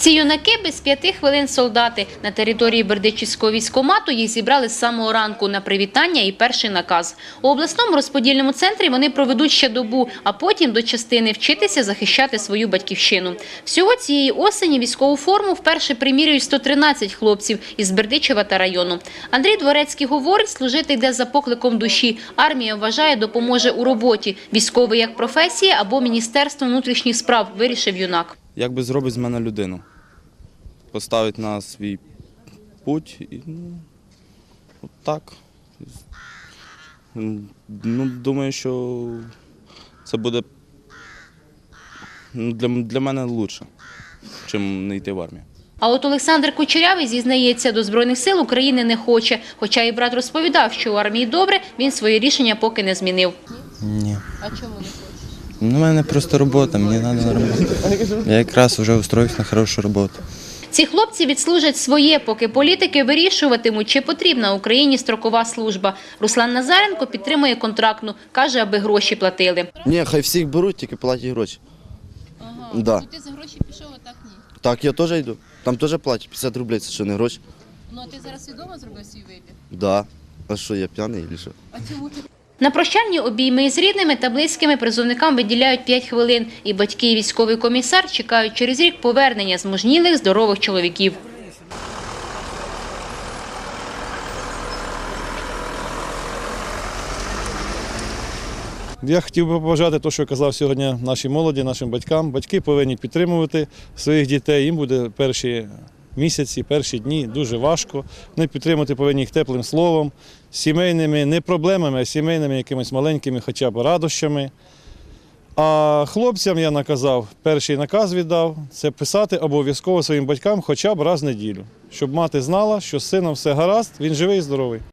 Ці юнаки без 5 хвилин солдати. На території Бердичівського військкомату їх зібрали з самого ранку на привітання і перший наказ. У обласному розподільному центрі вони проведуть ще добу, а потім до частини вчитися захищати свою батьківщину. Всього цієї осені військову форму вперше примірюють 113 хлопців із Бердичева та району. Андрій Дворецький говорить, служити йде за покликом душі. Армія, вважає, допоможе у роботі. Військовий як професія або Міністерство внутрішніх справ, вирішив юнак. Якби зробить з мене людину, поставить на свій путь і так. Думаю, що це буде для мене краще, ніж не йти в армію. А от Олександр Кучерявий зізнається, до Збройних сил України не хоче. Хоча і брат розповідав, що у армії добре, він своє рішення поки не змінив. Ні. А чому не хочеш? У мене просто робота, мені треба на роботу. Я якраз вже устроївся на хорошу роботу. Ці хлопці відслужать своє, поки політики вирішуватимуть, чи потрібна Україні строкова служба. Руслан Назаренко підтримує контрактну, каже, аби гроші платили. Ні, хай всіх беруть, тільки платять гроші. Ага, Да. ти за гроші пішов, а так ні. Так, я теж йду. Там теж платять 50 рублей, це що, не гроші? Ну, а ти зараз свідомо зробив свій вибір? Да. А що, я п'яний чи що? А чому ти? На прощальні обійми із рідними та близькими призовникам виділяють 5 хвилин. І батьки, і військовий комісар чекають через рік повернення змужнілих, здорових чоловіків. Я хотів би побажати те, що казав сьогодні нашій молоді, нашим батькам. Батьки повинні підтримувати своїх дітей. Їм буде перші місяці, перші дні дуже важко. Вони підтримувати повинні їх теплим словом, сімейними, не проблемами, а сімейними якимись маленькими хоча б радощами. А хлопцям я наказав, перший наказ віддав, це писати обов'язково своїм батькам хоча б раз в неділю, щоб мати знала, що з сином все гаразд, він живий і здоровий.